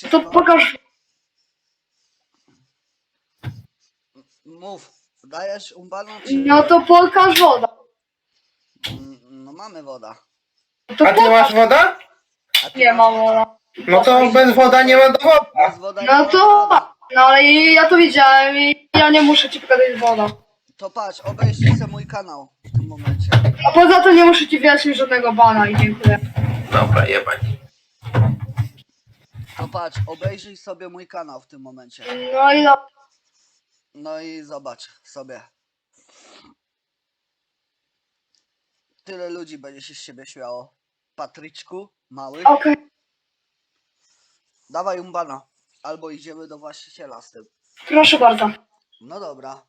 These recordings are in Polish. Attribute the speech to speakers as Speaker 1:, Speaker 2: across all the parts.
Speaker 1: wszystko.
Speaker 2: To pokaż.
Speaker 1: Mów, dajesz umbano czy...
Speaker 2: No to pokaż woda.
Speaker 1: No mamy woda.
Speaker 2: To
Speaker 3: A ty masz woda?
Speaker 1: A ty
Speaker 2: Nie
Speaker 1: masz
Speaker 2: mam
Speaker 1: woda?
Speaker 2: woda.
Speaker 3: No to bez woda nie ma dowodu.
Speaker 1: Bez woda nie
Speaker 2: No
Speaker 1: ma
Speaker 2: to.
Speaker 1: woda.
Speaker 2: No ale ja to widziałem i ja nie muszę ci pokazać woda.
Speaker 1: To patrz, obejrzyj sobie mój kanał w tym momencie.
Speaker 2: A poza tym nie muszę ci wyjaśnić żadnego bana i dziękuję.
Speaker 3: Dobra, jebać.
Speaker 1: To patrz, obejrzyj sobie mój kanał w tym momencie.
Speaker 2: No i no.
Speaker 1: No i zobacz sobie. Tyle ludzi będzie się z siebie śmiało. Patryczku, mały.
Speaker 2: Okej.
Speaker 1: Dawaj umbana. Albo idziemy do właściciela z tym.
Speaker 2: Proszę bardzo.
Speaker 1: No dobra.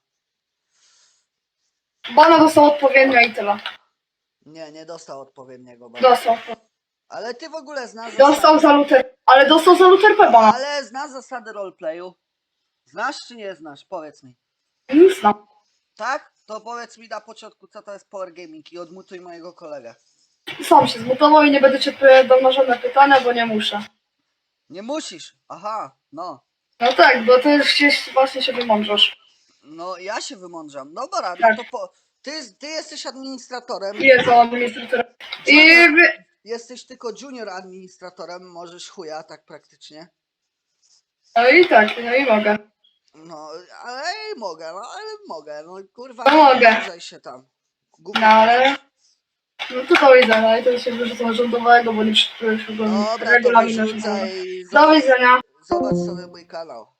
Speaker 2: Bana dostał odpowiednio i tyle.
Speaker 1: Nie dostał odpowiedniego bana.
Speaker 2: Dostał.
Speaker 1: Ale ty w ogóle znasz
Speaker 2: Dostał za luter. Ale dostał za luter P bana.
Speaker 1: Ale znasz zasady roleplayu? Znasz czy nie znasz? Powiedz mi.
Speaker 2: Nic znam.
Speaker 1: Tak? To powiedz mi na początku, co to jest Power Gaming i odmutuj mojego kolegę.
Speaker 2: Sam się zmutował i nie będę ci odpowiadał na żadne pytania, bo nie muszę.
Speaker 1: Nie musisz. Aha, no.
Speaker 2: No tak, bo ty już gdzieś właśnie się wymądrzasz.
Speaker 1: No ja się wymądrzam. Dobra, no
Speaker 2: Tak.
Speaker 1: to ty jesteś administratorem.
Speaker 2: Jest on administratorem. I
Speaker 1: Jesteś tylko junior administratorem, możesz chuja, tak praktycznie.
Speaker 2: no i tak, no i mogę.
Speaker 1: No, ale mogę, no kurwa,
Speaker 2: No
Speaker 1: nie
Speaker 2: mogę.
Speaker 1: wymądrzaj się tam. Gówno
Speaker 2: No ale.
Speaker 1: możesz.
Speaker 2: No to do widzenia, i to się wyrzucą rządowego, bo nie przeczytałeś
Speaker 1: Dobra, to
Speaker 2: regulaminu.
Speaker 1: wyrzucaj.
Speaker 2: Do widzenia.
Speaker 1: Zobacz sobie mój kanał.